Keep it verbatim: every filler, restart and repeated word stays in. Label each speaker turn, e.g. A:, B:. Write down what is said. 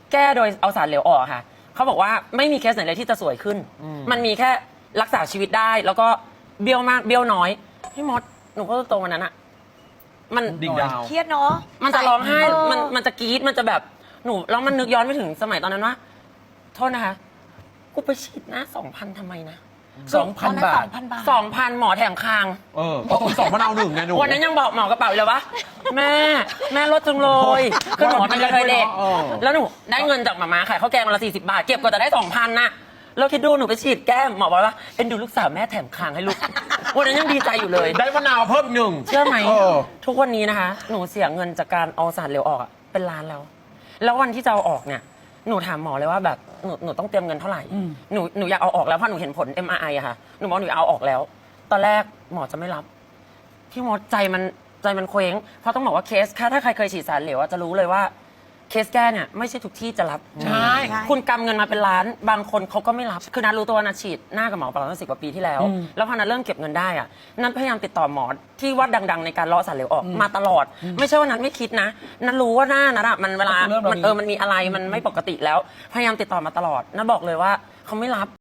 A: แก้โดยเอาสารเหลวออกค่ะเขาบอกว่าไม่มีเคสไหนเลยที่จะสวยขึ้น มันมีแค่รักษาชีวิตได้แล้วก็เบี้ยวมากเบี้ยวน้อยพี่มดหนูก็ตรงวันนั้นอะมัน
B: ดิ่งดาว
C: เครียดเนาะ
A: มันจะร้องไห้
C: เออ
A: มันมันจะกรี๊ดมันจะแบบหนูแล้วมันนึกย้อนไปถึงสมัยตอนนั้นว่าโทษนะคะกูไปฉีดหน้าสองพันทำไมนะ
B: สองพันบาท
C: สองพันบาท
A: สองพันหมอแถมคาง
B: เออก็สองพันเอาหนึ่งไงหนู
A: วันนั้นยังบอกหมอกระเป๋าเลยว่าแม่แม่ลดจังเลยคือหมอเป็นกระเทยเด็ก
B: เออ
A: แล้วหนูได้เงินจากหมาม้าขายข้าวแกงวันละสี่สิบบาทเก็บก็จะได้สองพันน่ะแล้วคิดดูหนูไปฉีดแก้มหมอบอกว่าเป็นดูลูกสาวแม่แถมคางให้ลูกวันนั้นยังดีใจอยู่เลย
B: ได้มะนาวเพิ่มหนึ่ง
A: เชื่อไหม
B: เออ
A: ทุกวันนี้นะคะ หนูเสียเงินจากการเอาสารเหลวออกอะเป็นล้านแล้ว แล้ววันที่จะเอาออกเนี่ยหนูถามหมอเลยว่าแบบหนูหนูต้องเตรียมเงินเท่าไหร่หนูหนูอยากเอาออกแล้วเพราะหนูเห็นผล เอ็ม อาร์ ไอ อะค่ะหนูบอกหนูอยากเอาออกแล้ว ตอนแรกหมอจะไม่รับพี่มดใจมันใจมันเคว้งเพราะต้องบอกว่าเคสถ้าถ้าใครเคยฉีดสารเหลวอะจะรู้เลยว่าเคสแก้เนี่ยไม่ใช่ทุกที่จะรับ
B: ใช่
A: คุณกำเงินมาเป็นล้านบางคนเขาก็ไม่รับคือนัทรู้ตัวว่านัทฉีดหน้ากับหมอประมาณสิบกว่าปีที่แล้ว แล้วพอนัทเริ่มเก็บเงินได้อะนัทพยายามติดต่อหมอที่ว่าดัง ๆ ในการเลาะสารเหลวออกมาตลอด ไม่ใช่ว่านัทไม่คิดนะนัทรู้ว่าหน้านัทอะมันเวลา
B: เริ่มเรามี
A: มันเออมันมีอะไรมันไม่ปกติแล้ว พยายามติดต่อมาตลอดนัทบอกเลยว่าเขาไม่รับ